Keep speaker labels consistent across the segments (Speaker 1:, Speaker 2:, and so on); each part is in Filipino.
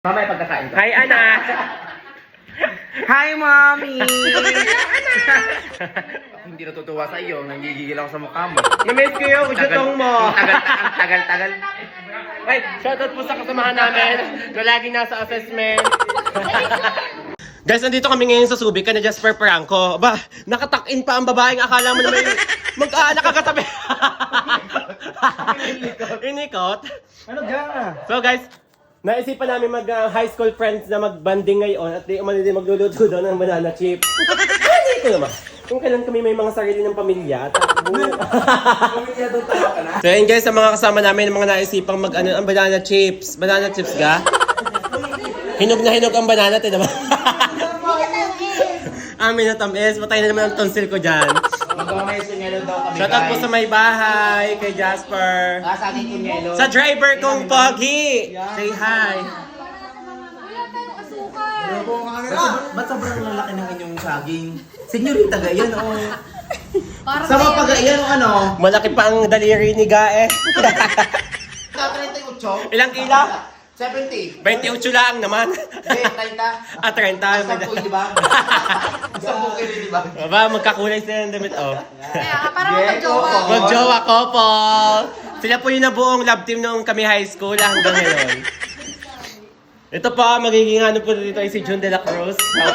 Speaker 1: Mamaya pagkakain ko.
Speaker 2: Hi, anak!
Speaker 3: Hi, Mommy!
Speaker 1: Hindi natutuwa sa iyo, nanggigigil ako sa mukha mo.
Speaker 2: Na-miss ko yung jutong mo!
Speaker 1: Ang tagal-tagal.
Speaker 2: Ay, shoutout po sa kasamahan namin na laging nasa assessment. Guys, nandito kami ngayon sa Subic ka na Jasper Franco. Ba, nakatuck-in pa ang babaeng akala mo na may mag-aanak ka katabi. Inikot.
Speaker 3: Ano ga?
Speaker 2: So guys, naisipan namin mag-high school friends na mag-banding ngayon at di umano din magluluto daw ng banana chip. Hindi ko naman. Kung kailan kami may mga sarili ng pamilya.
Speaker 1: Pamilya doon tayo ka na.
Speaker 2: So yun guys, sa mga kasama namin, mga naisipang mag-ano ang banana chips. Banana chips ga? Hinog na hinog ang banana, naman. Amin na tamis. Patay na naman ang tonsil ko dyan.
Speaker 1: Magmamay sunyelo daw kami.
Speaker 2: Shoutout po sa may bahay, kay Jasper.
Speaker 1: Sa akin kunyelo.
Speaker 2: Sa driver kong Pogi. Say hi.
Speaker 4: Wala tayong asukal.
Speaker 1: Ba't sobrang lalaki ng inyong saging? Senyorita ga yan, o.
Speaker 4: Parang
Speaker 1: Sa mga pag-iyan o ano?
Speaker 2: Malaki pa ang daliri ni Gae.
Speaker 1: 38.
Speaker 2: Ilang kilo?
Speaker 1: 70.
Speaker 2: 28 lang naman.
Speaker 1: Hindi, 30.
Speaker 2: Ah, 30.
Speaker 1: 10, di ba? 10 kilo, di ba?
Speaker 2: Aba, magkakulay sila ng damit, oh.
Speaker 4: Kaya, parang magjowa.
Speaker 2: Magjowa couple. Sila po yung nabuong love team noong kami high school hanggang ngayon. Ito pa, magiging ano po dito ay si June de la Cruz.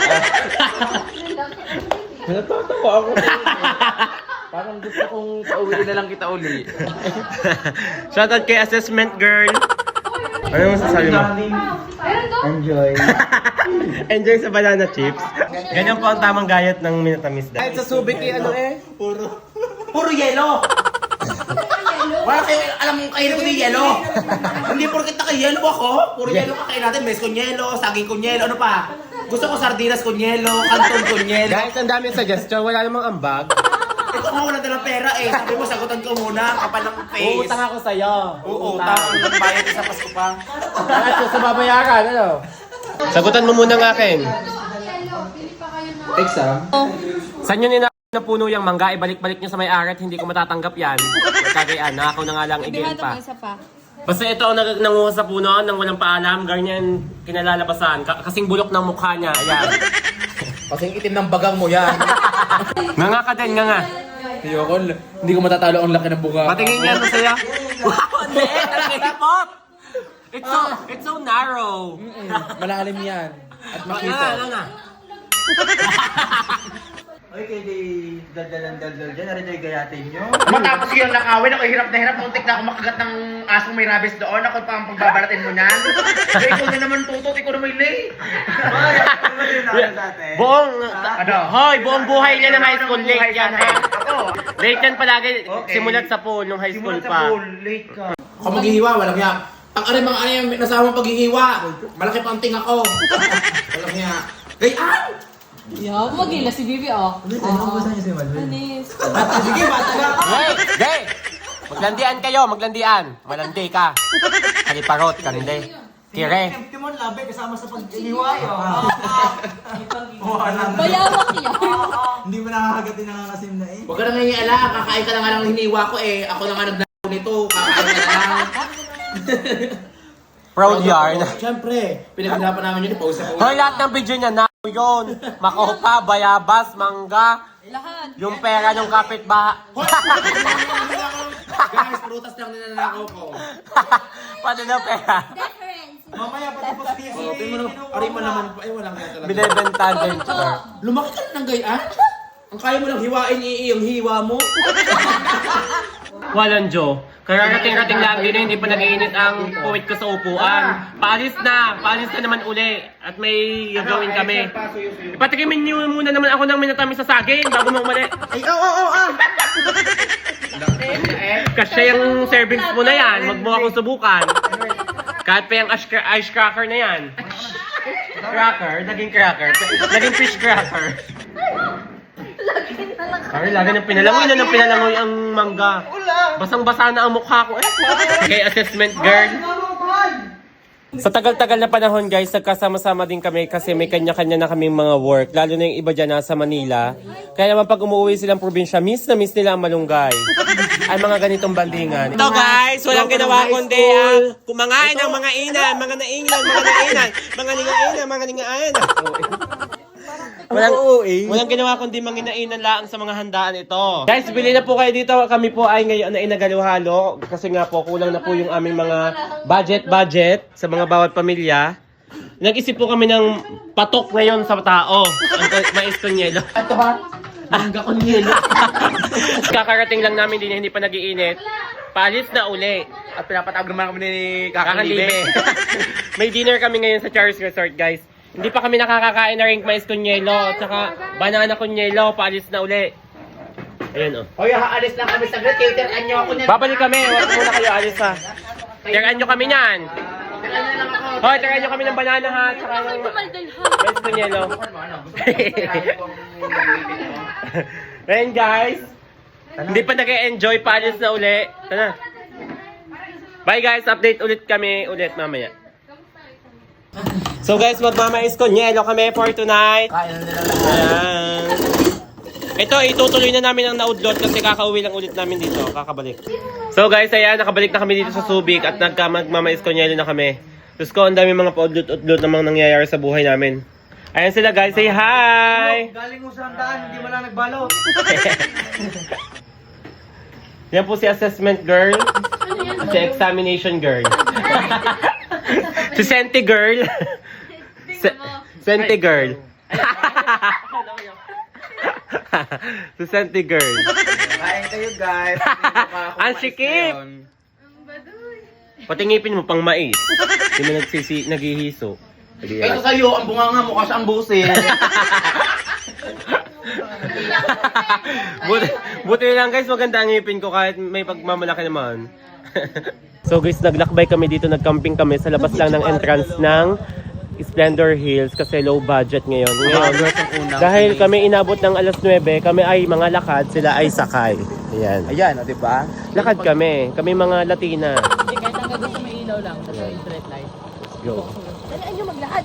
Speaker 1: Natatawa ako. Parang gusto kong pauwi na lang kita uli.
Speaker 2: Shoutout kay assessment girl. Ano masasabi mo?
Speaker 4: Meron doon?
Speaker 1: Enjoy.
Speaker 2: Enjoy sa banana chips. Ganyan po ang tamang gayat ng minatamis
Speaker 3: Kahit
Speaker 2: dahil.
Speaker 3: sa Subic eh, ano eh?
Speaker 1: Puro yelo. Wala kayo, alam mo kayo na yelo. Hindi porkit naka-yelo ako. Puro yelo kakain natin. Mes con yelo, saging con yelo, ano pa? Gusto ko sardinas con yelo, canton con yelo.
Speaker 2: Guys, ang daming suggestion. Wala namang ambag.
Speaker 1: Ito nga wala dalang pera eh. Sabi mo, sagutan ko muna. Kapal ng face.
Speaker 2: Uutang ako sa'yo.
Speaker 1: Uutang. Bayad sa Pasko pa.
Speaker 2: At sa babayaran, ano? Sagutan mo muna ng akin.
Speaker 4: Pili pa kayo na.
Speaker 1: Exam?
Speaker 2: Saan yun na puno yung mangga? Ibalik-balik nyo sa may-ari at hindi ko matatanggap yan. Kagayaan, na ako na nga lang igil pa.
Speaker 4: Isa pa.
Speaker 2: Basta ito ang nanguha sa puno nang walang paalam, ganyan kinalalabasan. Kasing bulok ng mukha niya, ayan.
Speaker 1: Kasing itim ng bagang mo yan.
Speaker 2: Nga ka din, nga.
Speaker 1: Ayoko, hindi ko matatalo ang laki ng buka.
Speaker 2: Patingin nga ito sa'yo. Wow, ang liit! Talaga hipot! It's so narrow.
Speaker 1: Malalim yan. At
Speaker 2: Nga.
Speaker 3: Oy, kayo di dal-dal dyan. Narin ay gayatin nyo.
Speaker 1: Matapos yung nakawin, ako hirap na hirap. Muntik na ako makagat ng asong may rabies doon. Ako pa ang pagbabaratin mo niyan. Kaya ikaw na naman tutot, ikaw na may lay.
Speaker 2: Buong,
Speaker 1: Ano?
Speaker 2: hoy, buong buhay niya ng high school, late yan ha.
Speaker 1: Ako.
Speaker 2: Late yan palagi,
Speaker 1: Okay.
Speaker 2: simulat sa pool nung high school
Speaker 1: Simulat sa
Speaker 2: pa.
Speaker 1: pool, late ka. Ako maghihiwa, walang hiya. Ang mga ano yung nasama paghihiwa. Malaki pa ang tinga ko. Walang hiya. Gayaan!
Speaker 4: Yeah, magila si Bibi, oh.
Speaker 3: Ano gusto niyo si Malvin?
Speaker 4: Anis.
Speaker 1: Sige, bata na.
Speaker 2: Hey, hey! Maglandian kayo, maglandian. Malandi ka. Haliparot, kaninde. Kire.
Speaker 3: Timon labi kasama sa pag-iniway.
Speaker 4: Bayawak niya.
Speaker 3: Hindi mo nakakagatin nangangasim na eh.
Speaker 1: Huwag ka na nangyayala. Kakain ka na nga ng hiniwa ko eh. Ako na nga nagdako nito. Kakain ka na lang.
Speaker 2: Proud yarn.
Speaker 1: Siyempre, pinag-usapan namin yun. Pause na
Speaker 2: Hoy, lahat ng video niya na yun. Makopa, bayabas, mangga.
Speaker 4: Lahat.
Speaker 2: Yung pera ng kapitbahay.
Speaker 1: Guys, prutas lang ninanakaw ko.
Speaker 2: Paano na pera?
Speaker 3: Mamaya pati po sa TSC.
Speaker 1: Tingin mo na, pari mo naman pa. Ay, walang nga talaga.
Speaker 2: Binibenta din.
Speaker 1: Lumaki ka na ng gayaan? Ang kaya mo lang hiwain yung hiwa mo.
Speaker 2: Walang Joe. Kararating-rating lang din hindi pa nag-iinit ang puwit ko sa upuan. Paalis na naman uli. At may gagawin kami. Ipatikimin niyo muna naman ako ng minatamis sa saging bago mo umali.
Speaker 3: Ay, oo.
Speaker 2: Kasi yung servings mo na yan, wag mo akong subukan. Kahit pa yung ice cracker na yan. Cracker, naging cracker. Naging fish cracker. Sorry, lagi nang pinalangoy na nang pinalangoy ang mangga. Basang-basa na ang mukha ko. Okay, assessment girl. Sa tagal-tagal na panahon guys, nagkasama-sama din kami kasi may kanya-kanya na kaming mga work. Lalo na yung iba dyan nasa Manila. Kaya naman pag umuwi silang probinsya, miss na miss nila ang malunggay. Ay mga ganitong bandingan. Ito guys, walang ginawa kundi kumangain ng mga inan, mga nainglan, mga nainan, mga ningainan, mga ningainan. Walang ginawa kundi manginainan lang sa mga handaan ito. Guys, bili na po kayo dito. Kami po ay ngayon na inagaluhalo. Kasi nga po, kulang na po yung aming mga budget sa mga bawat pamilya. Nag-isip po kami ng patok ngayon sa tao. Ang mais con yelo.
Speaker 1: Ito ha? Mangga con yelo.
Speaker 2: Kakarating lang namin din, hindi pa nag-iinit. Palis na uli.
Speaker 1: At pinapatawag naman kami ni
Speaker 2: Kakalibe. May dinner kami ngayon sa Charles Resort, guys. Hindi pa kami nakakakain na ring mais con yelo at saka banana con yelo. Paalis na uli. Ayun, oh.
Speaker 1: Hoy, aalis lang kami saglit. Cateran niyo ako niyan.
Speaker 2: Babalik kami. Huwag muna kayo alis, ha. Tiraan nyo kami niyan. Hoy, tiraan nyo kami ng banana, ha. Tsaka ng mais con yelo. Ayun, guys. Hindi pa nag-enjoy. Paalis na uli. Tara. Bye, guys. Update ulit kami ulit mamaya. So guys, magmamais con yelo kami for tonight.
Speaker 1: Kain na nila.
Speaker 2: Ayan. Ito, itutuloy na namin ang naudlot kasi kakauwi lang ulit namin dito. Kakabalik. So guys, ayan, nakabalik na kami dito sa Subic at magmamais con yelo na kami. Diyos ko, ang dami mga paudlot-udlot namang nangyayari sa buhay namin. Ayan sila guys, say hi!
Speaker 3: Galing mo sa handaan, hindi mo lang nagbalo.
Speaker 2: Yan po si assessment girl. Si examination girl. Si Senti girl. Senti girl. Si Senti girl.
Speaker 3: Kain kayo guys.
Speaker 2: Ang sikip! Pati ngipin mo pang mais. Hindi mo naghihiso.
Speaker 1: Ito sa'yo, ang bunganga mo kasi ang busin.
Speaker 2: buti lang guys, maganda ang ngipin ko kahit may pagmamalaki naman. So guys, naglakbay kami dito, nagcamping kami sa labas lang ng entrance ng Splendor Hills kasi low budget ngayon. Dahil kami inabot ng alas 9, kami ay mga lakad, sila ay sakay. Ayan.
Speaker 3: Ayan, o diba?
Speaker 2: Lakad kami mga Latina.
Speaker 4: Kahit hanggang doon sa may ilaw lang, sa straight light.
Speaker 2: Let's go.
Speaker 4: Talaan nyo maglakad.